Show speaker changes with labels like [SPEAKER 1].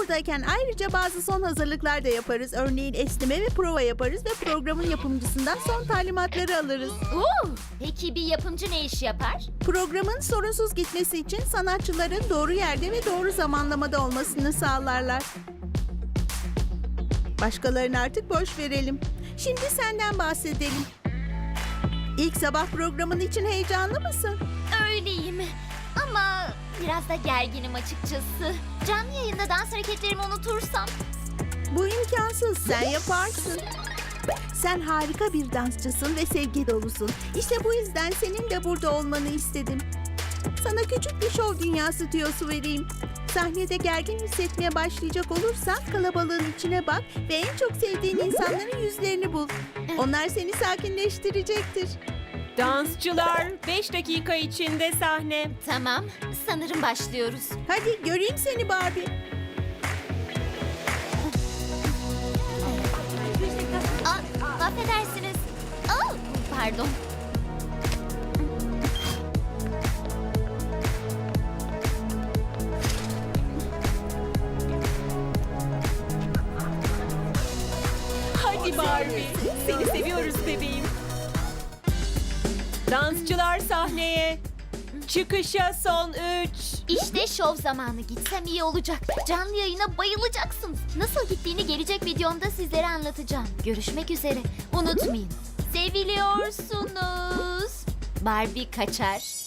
[SPEAKER 1] buradayken ayrıca bazı son hazırlıklar da yaparız. Örneğin esneme ve prova yaparız ve programın yapımcısından son talimatları alırız.
[SPEAKER 2] Peki bir yapımcı ne iş yapar?
[SPEAKER 1] Programın sorunsuz gitmesi için sanatçıların doğru yerde ve doğru zamanlamada olmasını sağlarlar. Başkalarını artık boş verelim. Şimdi senden bahsedelim. İlk sabah programın için heyecanlı mısın?
[SPEAKER 2] Öyleyim. Ama biraz da gerginim açıkçası. Canlı yayında dans hareketlerimi unutursam.
[SPEAKER 1] Bu imkansız. Sen yaparsın. Sen harika bir dansçısın ve sevgi dolusun. İşte bu yüzden senin de burada olmanı istedim. Sana küçük bir şov dünyası tüyosu vereyim. Sahnede gergin hissetmeye başlayacak olursan kalabalığın içine bak ve en çok sevdiğin insanların yüzlerini bul. Onlar seni sakinleştirecektir.
[SPEAKER 3] Dansçılar 5 dakika içinde sahne.
[SPEAKER 2] Tamam, sanırım başlıyoruz.
[SPEAKER 1] Hadi göreyim seni Barbie.
[SPEAKER 2] Affedersiniz. Pardon.
[SPEAKER 3] Hadi Barbie. Seni seviyoruz bebeğim. Dansçılar sahneye. Çıkışa son 3.
[SPEAKER 2] İşte şov zamanı. Gitsem iyi olacak. Canlı yayına bayılacaksınız. Nasıl gittiğini gelecek videomda sizlere anlatacağım. Görüşmek üzere. Unutmayın. Seviliyorsunuz. Barbie kaçar.